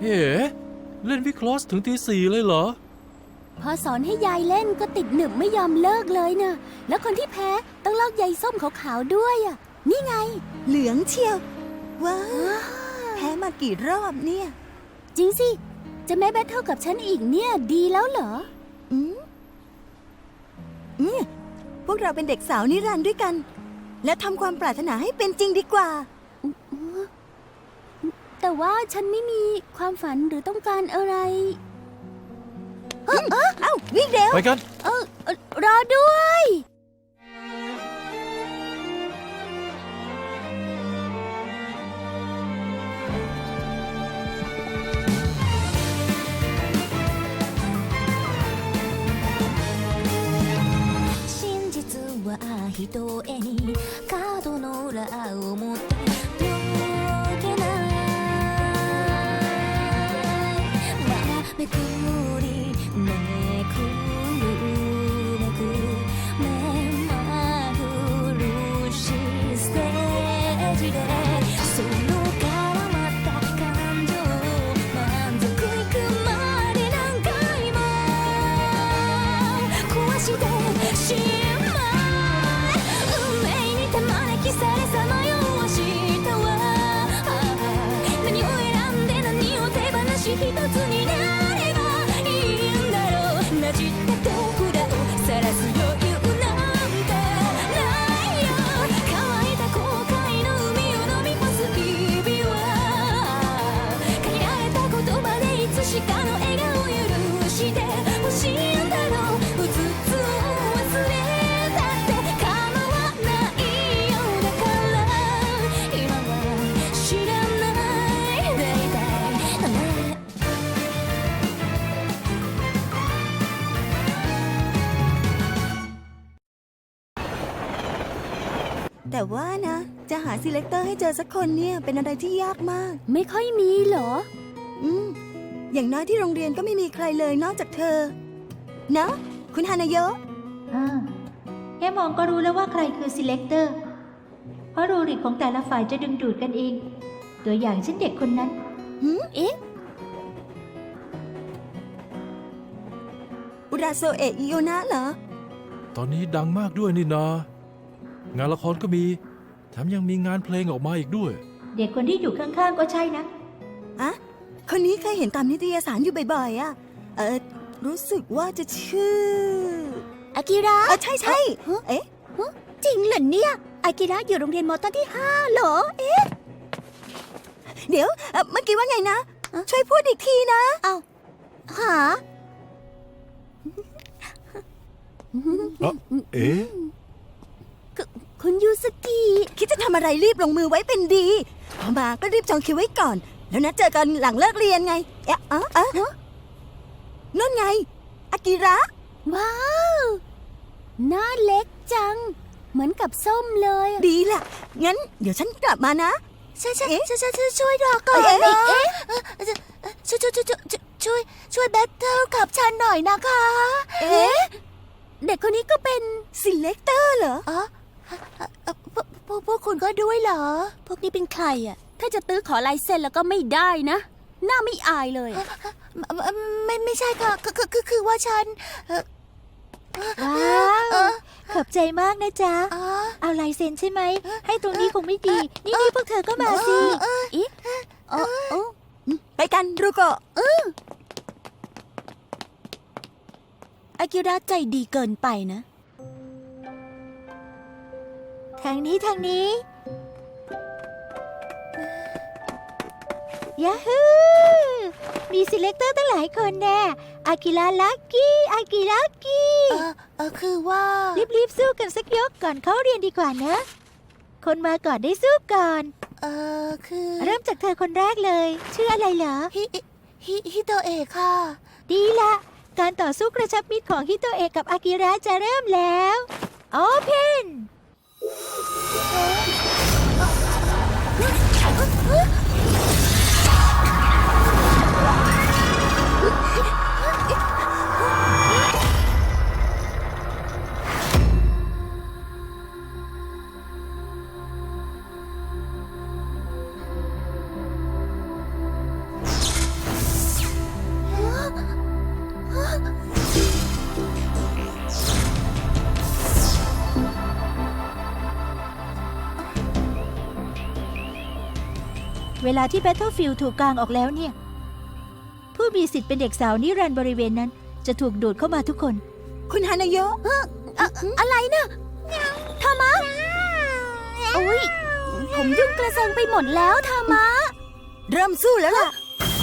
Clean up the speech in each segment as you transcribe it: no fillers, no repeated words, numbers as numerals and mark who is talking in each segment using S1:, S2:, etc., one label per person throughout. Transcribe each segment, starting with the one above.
S1: เฮ้เล่นวิคลอสถึงตี 4เลยเหรอ
S2: พอสอนให้ยายเล่นก็ติดหนึบไม่ยอมเลิกเลยนะแล้วคนที่แพ้ต้องลอกใยส้มขาวๆด้วยอ่ะนี่ไง
S3: เหลืองเชียวว้าวแพ้มากี่รอบเนี่ย
S2: จริงสิจะไม่แบทเทิลกับฉันอีกเนี่ยดีแล้วเหรอ
S3: อืมพวกเราเป็นเด็กสาวนิรันดร์ด้วยกัน และทำความปรารถนาให้เป็นจริงดีกว่า
S2: แต่ว่าฉันไม่มีความฝันหรือต้องการอะไร
S3: เอ้าวิ่งเร็ว
S1: ไปกัน
S2: รอด้วย
S4: 一重に角の裏を持って溶けないまだめくりめくるめく目まぐるしいステージでその絡まった感情満足いくまで何回も壊してしまうされさまよわしたわ何を選んで何を手放し一つになればいいんだろうなじった手札を晒す余裕なんてないよ乾いた後悔の海を飲み干す日々は限られた言葉でいつしかの笑顔を許してほしいんだろううつつを忘れたって構わない
S3: แต่ว่านะจะหาซีเลคเตอร์ให้เจอสักคนเนี่ยเป็นอะไรที่ยากมาก
S2: ไม่ค่อยมีเหรอ
S3: อย่างน้อยที่โรงเรียนก็ไม่มีใครเลยนอกจากเธอนะคุณฮานาโยะ
S5: แค่มองก็รู้แล้วว่าใครคือซีเลคเตอร์เพราะรูริกของแต่ละฝ่ายจะดึงดูดกันเองตัวอย่างเช่นเด็กคนนั้น
S2: เอ๊ะ
S3: อุราโซเอะอิโอนะเหรอ
S1: ตอนนี้ดังมากด้วยนี่นางานละครก็มีแถมยังมีงานเพลงออกมาอีกด้วย
S5: เด็กคนที่อยู่ข้างๆก็ใช่นะ
S3: คนนี้เคยเห็นตามนิตยสารอยู่บ่อยๆอ่ะรู้สึกว่าจะชื่อ
S2: อากิระ
S3: ใช่ใช่เอ๊ะ
S2: จริงเหรอเนี่ยอากิระอยู่โรงเรียนมอต้นที่5เหรอเอ๊ะ
S3: เดี๋ยวเมื่อกี้ว่าไงนะช่วยพูดอีกทีนะ
S2: เอาหา
S1: เอ๊ะ
S2: คุณยูสกิ
S3: คิดจะทำอะไรรีบลงมือไว้เป็นดีพอมาก็รีบจองคิวไว้ก่อนแล้วนัดเจอกันหลังเลิกเรียนไงนั่นไงอากิระ
S2: ว้าวหน้าเล็กจังเหมือนกับส้มเลย
S3: ดีล่ะงั้นเดี๋ยวฉันกลับมานะ
S2: ช่วยรอก่อนนะช่วยแบทเทิลกับฉันหน่อยนะคะเด็กคนนี้ก็เป็น
S3: ซีเลคเตอร์เหรอ
S2: พวกคุณก็ด้วยเหรอพวกนี้เป็นใครอ่ะถ้าจะตื้อขอลายเซ็นแล้วก็ไม่ได้นะหน้าไม่อายเลยไม่ใช่ค่ะคือว่าฉัน
S5: ว้าวขอบใจมากนะจ๊ะเอาลายเซ็นใช่ไหมให้ตรงนี้คงไม่ดีนี่พวกเธอก็มาสิ
S3: ไปกันรูโกะ
S2: อากิระใจดีเกินไปนะ
S5: ทางนี้ยาฮูมีซีเลคเตอร์ตั้งหลายคนแน่อากิระลักกี้อากิระกี้
S2: คือว่า
S5: รีบสู้กันสักยกก่อนเขาเรียนดีกว่านะคนมาก่อนได้สู้ก่อน
S2: คือ
S5: เริ่มจากเธอคนแรกเลยชื่ออะไรเหรอ
S2: ฮิโตเอะค่ะ
S5: ดีละการต่อสู้กระชับมิตรของฮิโตเอะกับอากิระจะเริ่มแล้วโอเพนเวลาที่ Battlefield ถูกกางออกแล้วเนี่ย ผู้มีสิทธิ์เป็นเด็กสาวนิรันดร์บริเวณนั้น จะถูกดูดเข้ามาทุกคน
S3: คุณฮานาโยะ
S2: อะไรนะทามะโอ้ยผมยุ่งกระเซิงไปหมดแล้วทามะ
S3: เริ่มสู้แล้วล่ะ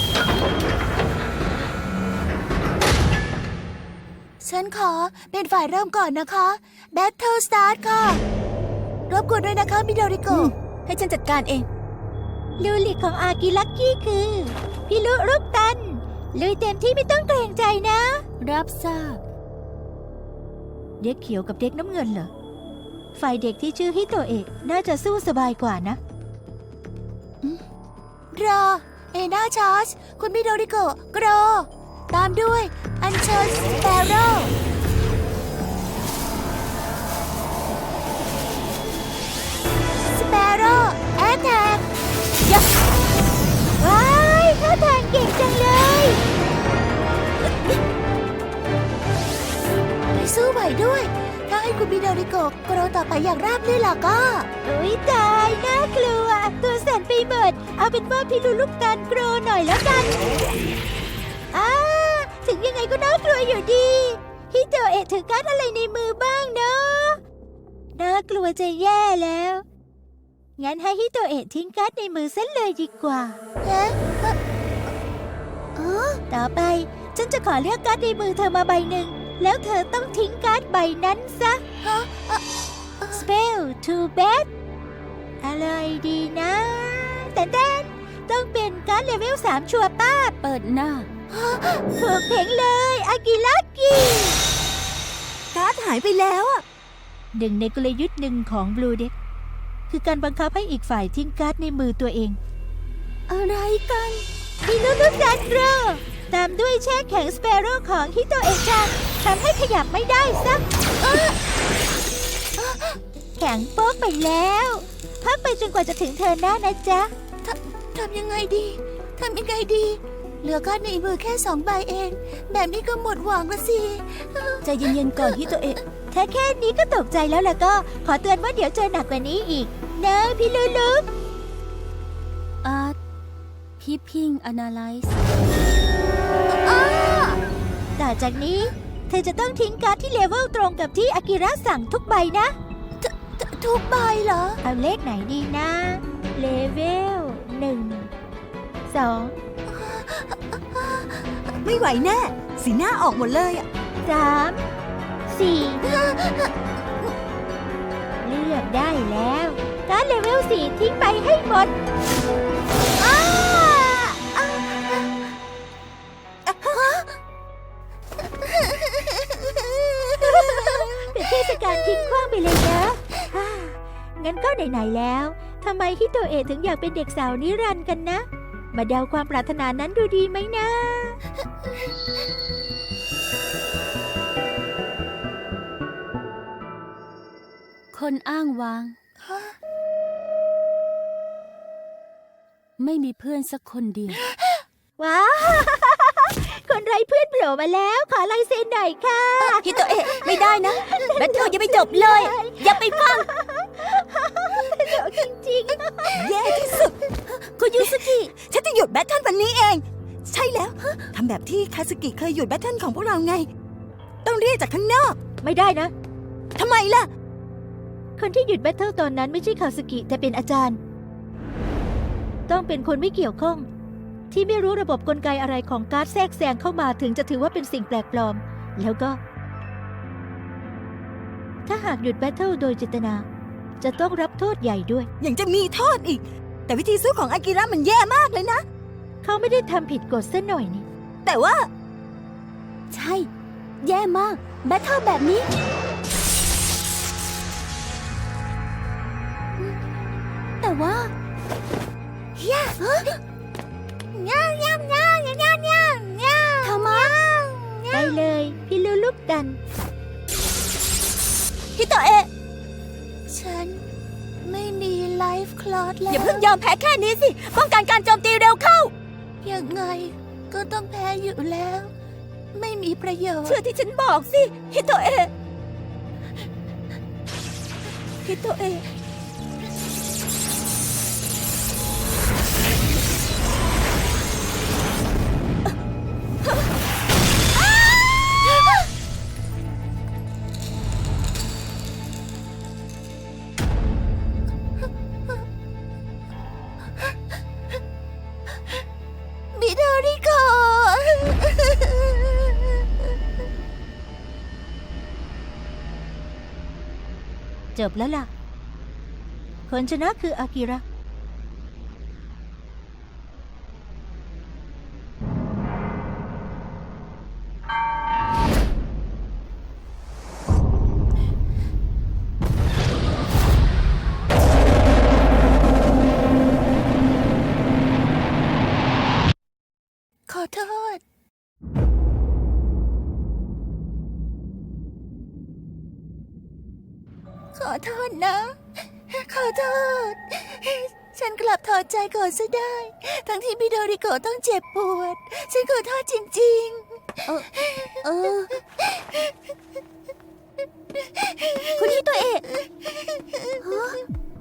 S2: ฉันขอเป็นฝ่ายเริ่มก่อนนะคะ Battle Start ค่ะรบกวนด้วยนะคะมิโดริโกะให้ฉันจัดการเอง
S5: ลูลิกของอากิลักกี้คือพี่ลุรูปตันลุยเต็มที่ไม่ต้องเกรงใจนะ
S2: รับทราบ
S5: เด็กเขียวกับเด็กน้ำเงินเหรอ ฝ่ายเด็กที่ชื่อฮิโตเอะน่าจะสู้สบายกว่านะ
S2: รอ เอนาชาร์จคุณมิโดริโกะกรอ ตามด้วยอันเชิญสเปโร่สเปโร่แอตแทก
S5: ว้ายท่าทางเก่งจังเลย
S2: ไปสู้ไหวด้วย ถ้าให้คุณมิโดริโกะกรอต่อไปอย่างราบรื่นล่ะก็
S5: อุ๊ยตายน่ากลัว ตัวสั่นไปหมด เอาเป็นว่าพี่ลุลูกตันโกรหน่อยแล้วกันถึงยังไงก็น่ากลัวอยู่ดีฮิโตเอะถือการ์ดอะไรในมือบ้างเนาะน่ากลัวจะแย่แล้ว งั้นให้ฮิโตเอะทิ้งการ์ดในมือเส้นเลยดีกว่า
S2: เอ๊ะ
S5: ต่อไปฉันจะขอเลือกการ์ดในมือเธอมาใบหนึ่ง แล้วเธอต้องทิ้งการ์ดใบนั้นซะ Spell to bet อะไรดีนะแต่ต้องเป็นการ์ดเลเวล 3 ชัวร์ป้าบ
S2: เปิดหน้า
S5: ถูกเพ่งเลยอากิลักกี้
S3: การ์ดหายไปแล้วอะ
S5: หนึ่งในกลยุทธ์หนึ่งของ Blue Deck คือการบังคับให้อีกฝ่ายทิ้งการ์ดในมือตัวเอง
S2: อะไรกัน
S5: ฮิโนรุจันโรตามด้วยแช่แข็งสเปโร่ของฮิโตเอะจังทำให้ขยับไม่ได้สักแข็งโป๊กไปแล้วพักไปจนกว่าจะถึงเธอหน้านะจ๊ะ
S2: ทำยังไงดี ทำยังไงดี เหลือการ์ดในมือแค่2 ใบเอง แบบนี้ก็หมดหวังละสิ ใจเย็นๆก่อนฮิโตเอะ
S5: ถ้าแค่นี้ก็ตกใจแล้วล่ะก็ ขอเตือนว่าเดี๋ยวเจอหนักกว่านี้อีกนะพี่ลูลู
S2: Peeping Analyze
S5: ต่อจากนี้ เธอจะต้องทิ้งการ์ดที่เลเวลตรงกับที่อากิระสั่งทุกใบนะ
S2: ทุกใบเหรอ
S5: เอาเลขไหนดีนะ เลเวล 1 2
S3: ไม่ไหวแน่ สีหน้าออกหมดเลยอะ
S5: 3 4 เลือกได้แล้ว การ์ดเลเวล 4 ทิ้งไปให้หมด เป็นเทศกาลทิ้งขว้างไปเลยนะงั้นก็ไหนๆแล้วทำไมฮิโตเอะถึงอยากเป็นเด็กสาวนิรันดร์กันนะ มาเดาความปรารถนานั้นดูดีไหมนะ
S2: คนอ้างว้าง ไม่มีเพื่อนสักคนเดียว
S5: ว้าว คนไร้เพื่อนโผล่มาแล้ว ขอลายเซ็นหน่อยค่ะ
S2: ฮิโตเอะไม่ได้นะ แบทเทิลยังไม่จบเลย อย่าไปฟัง
S5: เดี๋ยวจริง
S3: แย่ที่สุด
S2: คุณยูสกิ
S3: ฉันจะหยุดแบทเทิลวันนี้เอง ใช่แล้ว ทำแบบที่คาสึกิเคยหยุดแบทเทิลของพวกเราไง ต้องเรียกจากข้างนอก
S5: ๆ ไม่ได้นะ
S3: ทำไมล่ะ
S5: คนที่หยุดแบทเทิลตอนนั้นไม่ใช่คาสึกิแต่เป็นอาจารย์ ต้องเป็นคนไม่เกี่ยวข้อง ที่ไม่รู้ระบบกลไกอะไรของการ์ดแทรกแซงเข้ามาถึงจะถือว่าเป็นสิ่งแปลกปลอม แล้วก็ ถ้าหากหยุดแบทเทิลโดยเจตนา จะต้องรับโทษใหญ่ด้วย
S3: ยังจะมีโทษอีก แต่วิธีสู้ของอากิระมันแย่มากเลยนะ
S5: เขาไม่ได้ทำผิดกฎซะหน่อยนี่
S3: แต่ว่า
S2: ใช่ แย่มาก แบทเทิลแบบนี้ แต่ว่าย่าทำไม
S5: ไปเลยพี่ลูลูกดัน
S2: ฮิโตเอะฉันไม่มีไลฟ์คลอสแล้ว อย่าเพิ่งยอมแพ้แค่นี้สิ ป้องกันการโจมตีเร็วเข้า ยังไงก็ต้องแพ้อยู่แล้ว ไม่มีประโยชน์ เชื่อที่ฉันบอกสิ ฮิโตเอะฮิโตเอะ
S5: จบแล้วล่ะ คนชนะคืออากิระ
S2: ขอโทษ ขอโทษนะ ขอโทษ ฉันกลับถอดใจก่อนซะได้ ทั้งที่พี่โดริโกะต้องเจ็บปวด ฉันขอโทษจริงๆ คุณฮิโตเอะฮะ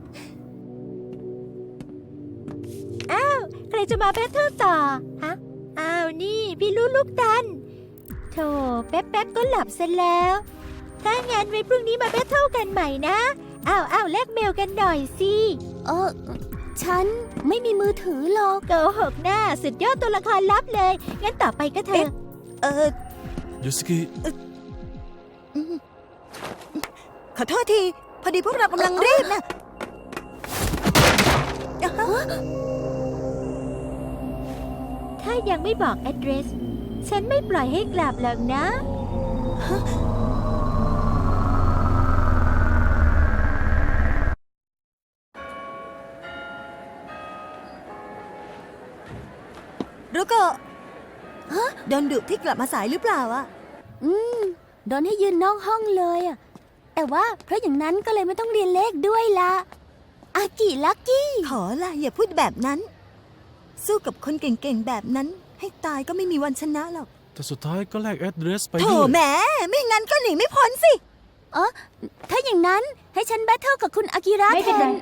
S5: อ้าว ใครจะมาแบทเทิลต่อ ฮะ อ้าว นี่พี่รู้ลูกดันโธ่แป๊บๆก็หลับเสร็จแล้ว ถ้างั้นไว้พรุ่งนี้มาแบทเทิลกันใหม่นะ อ้าวแลกเมลกันหน่อยสิ
S2: ฉันไม่มีมือถือหรอก
S5: โกหกหน้าสุดยอดตัวละครลับเลย งั้นต่อไปก็เธอ
S1: ยูสกิ
S3: ขอโทษที พอดีพวกเรากำลังรีบนะ
S5: ถ้ายังไม่บอก address ฉันไม่ปล่อยให้กลับหรอกนะ
S3: รุโกะโดนดุที่กลับมาสายหรือเปล่าอะ
S2: โดนให้ยืนนอกห้องเลยอะแต่ว่าเพราะอย่างนั้นก็เลยไม่ต้องเรียนเลขด้วยละอากิลักกี้
S3: ขอละอย่าพูดแบบนั้น สู้กับคนเก่งๆแบบนั้น ให้ตายก็ไม่มีวันชนะหรอก
S1: แต่สุดท้ายก็แลกแอดเดรสไป
S3: โถ
S1: ด้วย
S3: แหมไม่งั้นก็หนีไม่พ้นสิ
S2: ถ้าอย่างนั้นให้ฉันแบทเทิลกับคุณอากิระ
S5: ไม่
S2: แท
S5: เป็นไร
S2: น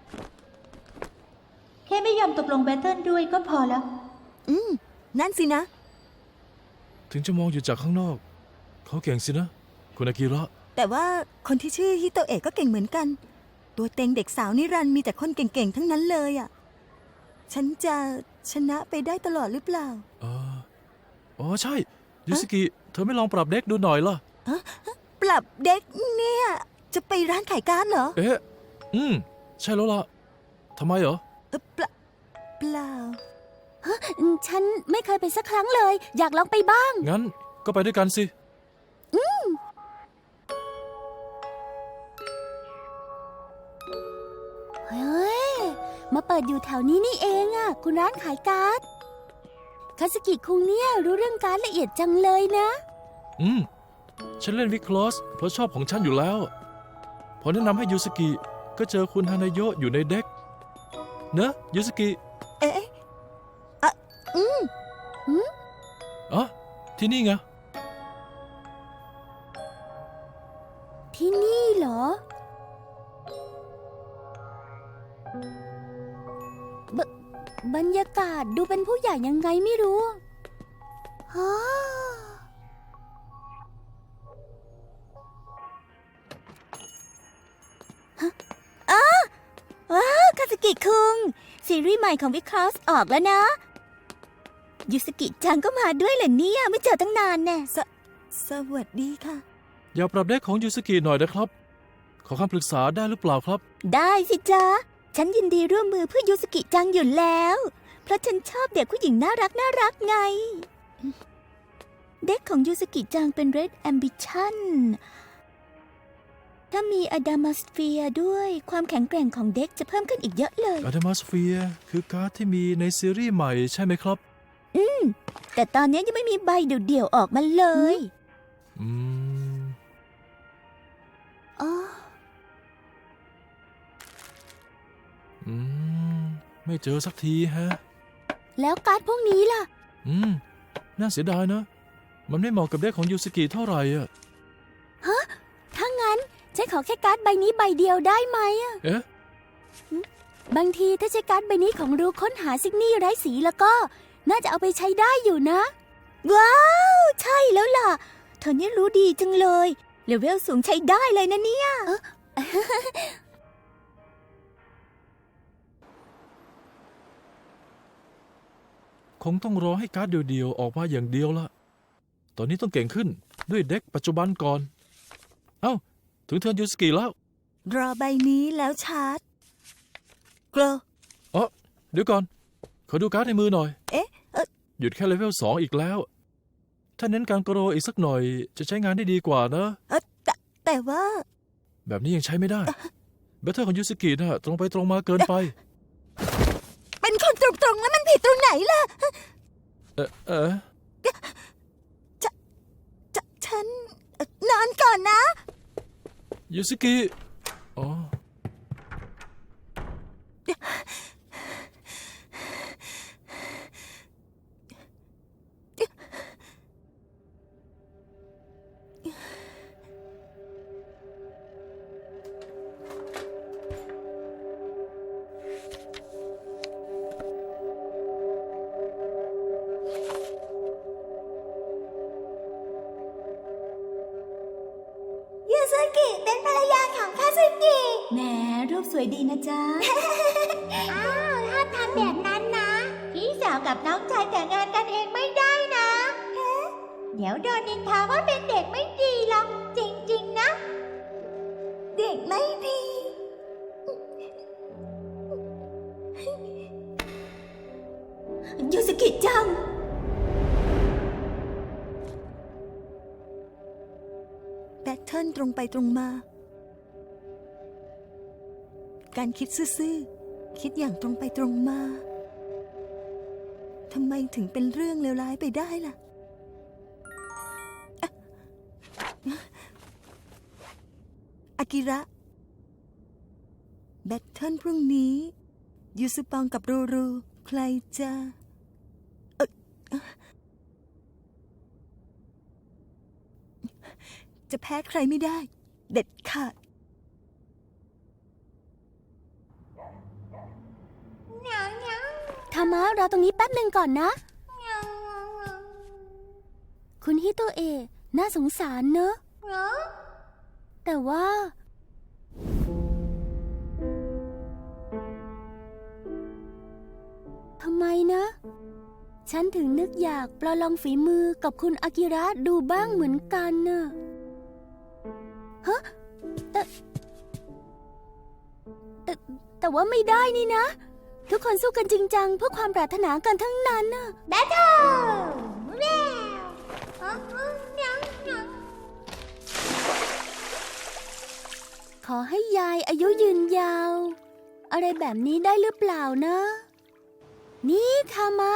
S5: แค่ไม่ยอมตกลงแบทเทิลด้วยก็พอแล้ว
S3: นั่นสินะ
S1: ถึงจะมองอยู่จากข้างนอก เขาเก่งสินะ คุณอากิระ
S3: แต่ว่าคนที่ชื่อฮิโตเอะก็เก่งเหมือนกัน ตัวเต็งเด็กสาวนิรันดร์มีแต่คนเก่งๆทั้งนั้นเลยอ่ะ ฉันจะชนะไปได้ตลอดหรือเปล่า
S1: อ๋อใช่ยูสกิ เธอไม่ลองปรับเด็กดูหน่อยล่ะ
S3: ปรับเด็กเนี่ย จะไปร้านขายการ์ดเหรอ
S1: เอ๊ะ ใช่แล้วล่ะทำไมเหรอ
S3: เปล่า
S2: ฉันไม่เคยไปสักครั้งเลย อยากลองไปบ้าง
S1: งั้นก็ไปด้วยกันสิ
S2: เฮ้ย มาเปิดอยู่แถวนี้นี่เองอะคุณร้านขายการ์ดคาสกิคุงเนี่ยรู้เรื่องการ์ดละเอียดจังเลยนะ
S1: ฉันเล่นวิคลอสเพราะชอบของฉันอยู่แล้ว พอแนะนำให้ยูสกิ ก็เจอคุณฮานาโยะอยู่ในเด็ก เนอะยูสกิ
S3: เอ๊ะ
S1: อ๋อที่นี่ไง
S2: ที่นี่เหรอ บรรยากาศดูเป็นผู้ใหญ่ยังไงไม่รู้ฮะว้าวคาสกิคุง ซีรีส์ใหม่ของวิคลอสออกแล้วนะ ยูสกิจังก็มาด้วยเหรอเนี่ย ไม่เจอตั้งนานแน่
S3: สวัสดีค่ะ
S1: อยากปรับเด็กของยูสกิหน่อยนะครับ ขอคำปรึกษาได้หรือเปล่าครับ
S2: ได้สิจ๊ะ ฉันยินดีร่วมมือเพื่อยูสกิจังอยู่แล้ว เพราะฉันชอบเด็กผู้หญิงน่ารักไง เด็กของยูสกิจังเป็น Red Ambition ถ้ามีอะดามาสเฟียด้วยความแข็งแกร่งของเด็กจะเพิ่มขึ้นอีกเยอะเลย
S1: a d a m a s p h e r e คือการ์ดที่มีในซีรีส์ใหม่ใช่ไหมครับ
S2: แต่ตอนนี้ยังไม่มีใบเดี่ยวๆออกมาเลย
S1: อืม
S2: อ๋อ
S1: ไม่เจอสักทีฮะ
S2: แล้วการ์ดพวกนี้ล่ะ
S1: น่าเสียดายนะ มันไม่เหมาะกับเด็กของยูสกิเท่าไหร่อ่ะ
S2: ถ้างั้นฉันขอแค่การ์ดใบนี้ใบเดียวได้ไหมอะ
S1: เอ๊ะ
S2: บางทีถ้าใช้การ์ดใบนี้ของรู้ค้นหาซิกนี่ไร้สีแล้วก็ น่าจะเอาไปใช้ได้อยู่นะ ว้าว ใช่แล้วล่ะ เธอเนี่ยรู้ดีจังเลยเลเวลสูงใช้ได้เลยนะเนี่ย
S1: คงต้องรอให้การ์ดเดียวๆออกมาอย่างเดียวละตอนนี้ต้องเก่งขึ้นด้วยเด็กปัจจุบันก่อน เอ้า ถึงเทิร์นยูสกิแล้ว
S3: รอใบนี้แล้วชาร์จโกร
S1: อ๋อเดี๋ยวก่อน ขอดูการ์ดในมือหน่อย
S3: เอ๊ะ
S1: หยุดแค่เลเวล2อีกแล้ว ถ้าเน้นการกรโรอีกสักหน่อย จะใช้งานได้ดีกว่านะ
S3: แต่ว่า
S1: แบบนี้ยังใช้ไม่ได้แบทเทิลของยูสกิน่ะตรงไปตรงมาเกินไป
S3: เป็นคนตรงๆแล้วมันผิดตรงไหนล่ะ ฉันนอนก่อนนะ
S1: ยูสกิอ๋อ
S5: ยูซุกิเป็นภรรยาของคาซุกิ
S2: แหมรูปสวยดีนะจ๊ะ
S5: อ้าวห้ามทำแบบนั้นนะ พี่สาวกับน้องชายแต่งงานกันเองไม่ได้นะเดี๋ยวโดนนินทาว่าเป็นเด็กไม่ดีหรอกจริงๆนะ เด็กไม่ดียูสกิจัง
S3: แบทเทิลตรงไปตรงมา การคิดซื่อๆ คิดอย่างตรงไปตรงมา ทำไมถึงเป็นเรื่องเลวร้ายไปได้ล่ะ อากิระ แบทเทิลพรุ่งนี้ ยูซุปองกับรูรู ใครจะจะแพ้ใครไม่ได้ เด็ดขาด
S2: ธรรมะรอตรงนี้แป๊บหนึ่งก่อนนะ คุณฮิโตเอะน่าสงสารเนอะแต่ว่าทำไมนะ ฉันถึงนึกอยากประลองฝีมือกับคุณอากิระดูบ้างเหมือนกันน่ะฮะแต่ว่าไม่ได้นี่นะ ทุกคนสู้กันจริงจังเพื่อความปรารถนากันทั้งนั้นน่ะ
S5: แบทเทิลแวว
S2: ขอให้ยายอายุยืนยาว อะไรแบบนี้ได้หรือเปล่านะ นี่ทามะ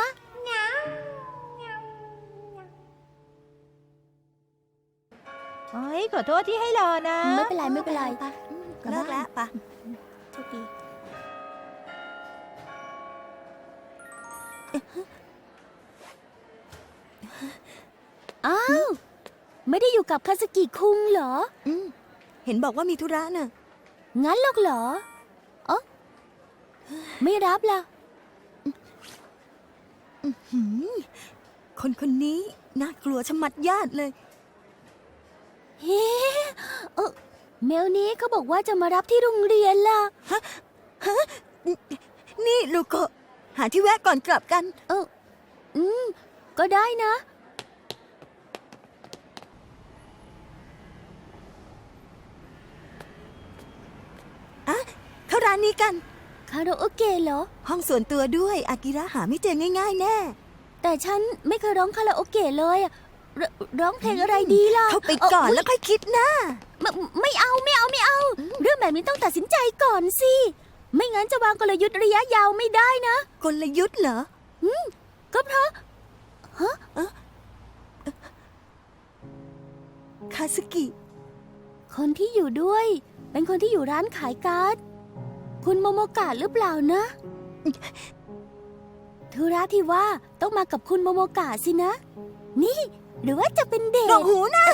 S5: โอ้ยขอโทษที่ให้รอนะ
S2: ไม่เป็นไรไม่เป็นไร
S3: เลิกแล้วปะ
S2: โชคดีอ้าว ไม่ได้อยู่กับคาสกิคุงเหรอ
S3: เห็นบอกว่ามีธุระน่ะ
S2: งั้นหรอกเหรออ๋อไม่รับล่ะ
S3: คนคนนี้น่ากลัวชะมัดญาติเลย
S2: เฮ้เมลนี้เขาบอกว่าจะมารับที่โรงเรียนล่ะ
S3: นี่ลูกโกะหาที่แวะก่อนกลับกัน
S2: ก็ได้นะ
S3: เข้าร้านนี้กัน
S2: คาราโอเกะเหรอ
S3: ห้องส่วนตัวด้วย อากิระหาไม่เจอง่ายๆแน่
S2: แต่ฉันไม่เคยร้องคาราโอเกะเลยอะร้องเพลงอะไรดีล่ะ
S3: เข้าไปก่อนแล้วค่อยคิดนะ
S2: ไม่เอา เรื่องแบบนี้ต้องตัดสินใจก่อนสิ ไม่งั้นจะวางกลยุทธ์ระยะยาวไม่ได้นะ
S3: กลยุทธ์เหรอ
S2: ก็เพราะ
S3: คาซึกิ
S2: คนที่อยู่ด้วย เป็นคนที่อยู่ร้านขายการ์ด คุณโมโมกะหรือเปล่านะ ธุระที่ว่าต้องมากับคุณโมโมกะสินะ นี่หรือว่าจะเป็นเด
S3: ด
S2: ท
S3: อกหูนะ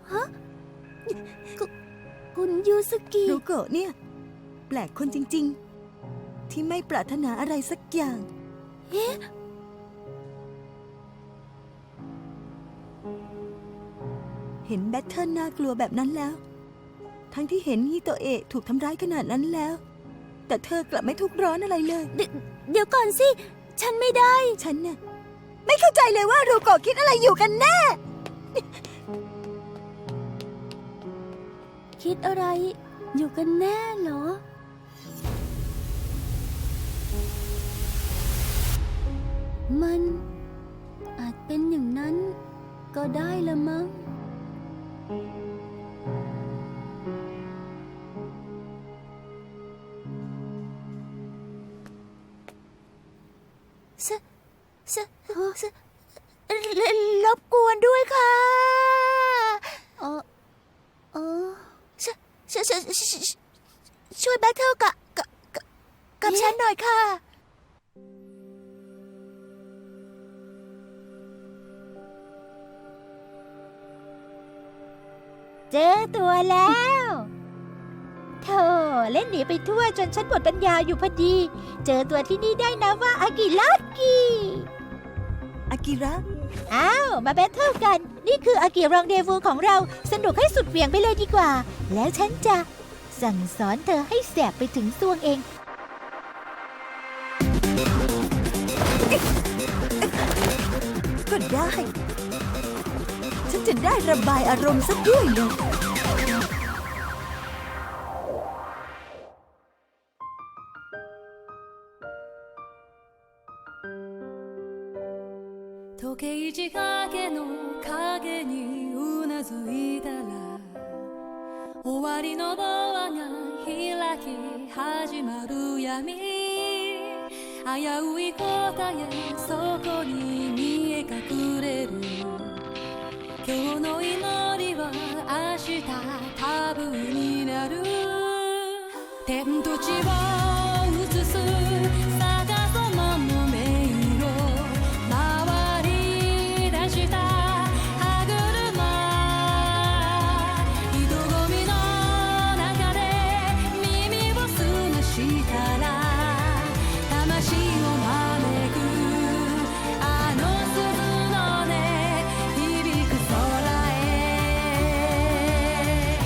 S2: คุณยูสกิ
S3: ลูกโกะเนี่ย แปลกคนจริงๆ ที่ไม่ปรารถนาอะไรสักอย่าง เห็นแบทเทิลน่ากลัวแบบนั้นแล้ว ทั้งที่เห็นฮิโตเอะถูกทำร้ายขนาดนั้นแล้ว แต่เธอกลับไม่ทุกข์ร้อนอะไรเลย
S2: เดี๋ยวก่อนสิ ฉันไม่ได้
S3: ฉันน่ะไม่เข้าใจเลยว่ารูโกะคิดอะไรอยู่กันแน่
S2: คิดอะไรอยู่กันแน่เหรอ มันอาจเป็นอย่างนั้นก็ได้ละมั้ง
S3: รบกวนด้วยค่ะ
S2: เออเออ
S3: ช่วยแบทเทิลกับฉันหน่อยค่ะ
S5: เจอตัวแล้วโธ่เล่นหนีไปทั่วจนฉันหมดปัญญาอยู่พอดี เจอตัวที่นี่ได้นะว่าอากิลักกี้
S3: อากิระ
S5: อ้าว มาแบทเทิลกัน นี่คืออากิรองเดวูของเรา สนุกให้สุดเหวี่ยงไปเลยดีกว่า แล้วฉันจะสั่งสอนเธอให้แสบไปถึงซวงเอง
S3: ก็ได้ ฉันจะได้ระบายอารมณ์สักด้วยเลย
S4: 時計仕掛けの影にうなずいたら終わりのドアが開き始まる闇危うい答えそこに見え隠れる今日の祈りは明日タブーになる天と地を映す逆さまの迷路回り出した歯車人混みの中で耳を澄ましたら魂を招くあの鈴の音響く空へ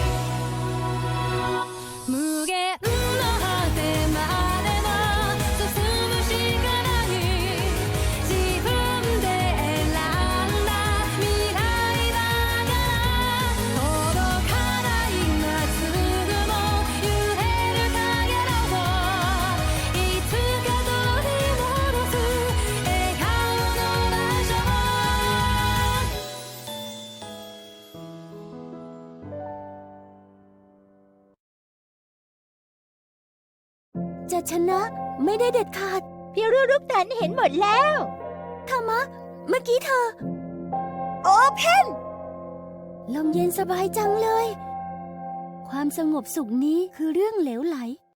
S4: 無限の果てまでも進むしかない自分で選んだ未来だから届かない夏雲揺れる影のいつか取り戻す笑顔の場所
S2: จะชนะไม่ได้เด็ดขาด
S5: พี่รู้ลูกตันเห็นหมดแล้ว
S2: ธรรมะ เมื่อกี้เธอ
S3: โอเพน
S2: ลมเย็นสบายจังเลย ความสงบสุขนี้คือเรื่องเหลวไหล